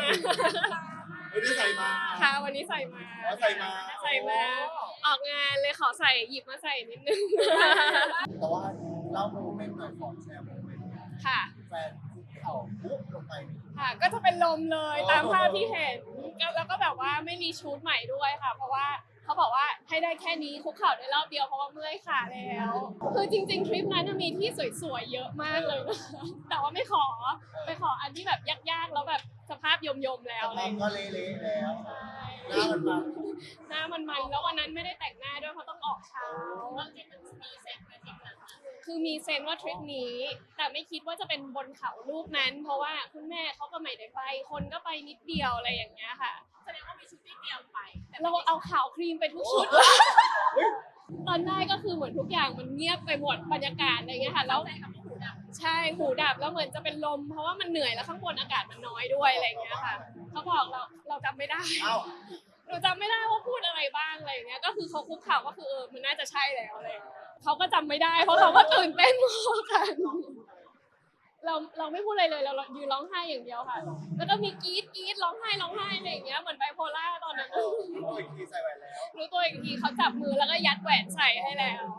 ไม่ได้ใส่มาค่ะวันนี้ใส่มาใส่มาใส่มาออกงานเลยขอใส่หยิบมาใส่นิดนึงแต่ว่าเล่าโมเมนต์หน่อยขอแชร์โมเมนต์ค่ะแฟนคุกเข่าปุ๊บลงไปค่ะก็จะเป็นลมเลยตามภาพที่เห็นแล้วก็แบบว่าไม่มีชุดใหม่ด้วยค่ะ เพราะว่าเขาบอกว่าให้ได้แค่นี้คุกเข่าได้รอบเดียวเพราะว่าเมื่อยขาแล้วคือจริงๆทริปนั้นมีที่สวยๆเยอะมากเลยนะคะแต่ว่าไม่ขอไปขออันที่แบบยากๆแล้วแบบสภาพยมๆแล้วอะไรอย่างก็เงี้ยเละๆแล้วใช่หน้ามันมาหน้ามันแล้ววันนั้นไม่ได้แต่งหน้าด้วยเพราะต้องออกเช้าคือมีเซนว่าทริปนี้ แต่ไม่คิดว่าจะเป็นบนเขาลูกนั้น เพราะว่าคุณแม่เขาก็ไม่ได้ไปคนก็ไปนิดเดียวอะไรอย่างเงี้ยค่ะแสดงว่ามีชุดที่เตรียมไปเราเอาขาวครีมไปทุกชุดตอนได้ก็คือเหมือนทุกอย่างมันเงียบไปหมดบรรยากาศอะไรเงี้ยค่ะแล้วใช่หูดับแล้วเหมือนจะเป็นลมเพราะว่ามันเหนื่อยแล้วข้างบนอากาศมันน้อยด้วยอะไรเงี้ยค่ะเขาบอกเราจำไม่ได้เอ้าหนูจำไม่ได้ว่าพูดอะไรบ้างอะไรอย่างเงี้ย ก็คือเขาคุกเข่าก็คือมันน่าจะใช่แล้วอะไรอย่างเงี้ยเขาก็จำไม่ได้เพราะเขาก็ตื่นเต้นมากกันเราไม่พูดอะไรเลยเรายืนร้องไห้อย่างเดียวค่ะ แล้วก็มีกรี๊ดร้องไห้อะไรอย่างเงี้ยเหมือนไบโพล่าตอนนั้นโอ้ยทีใส่แหวนแล้วรู้ตัวอีกทีเขาจับมือแล้วก็ยัดแหวนใส่ให้แล้ว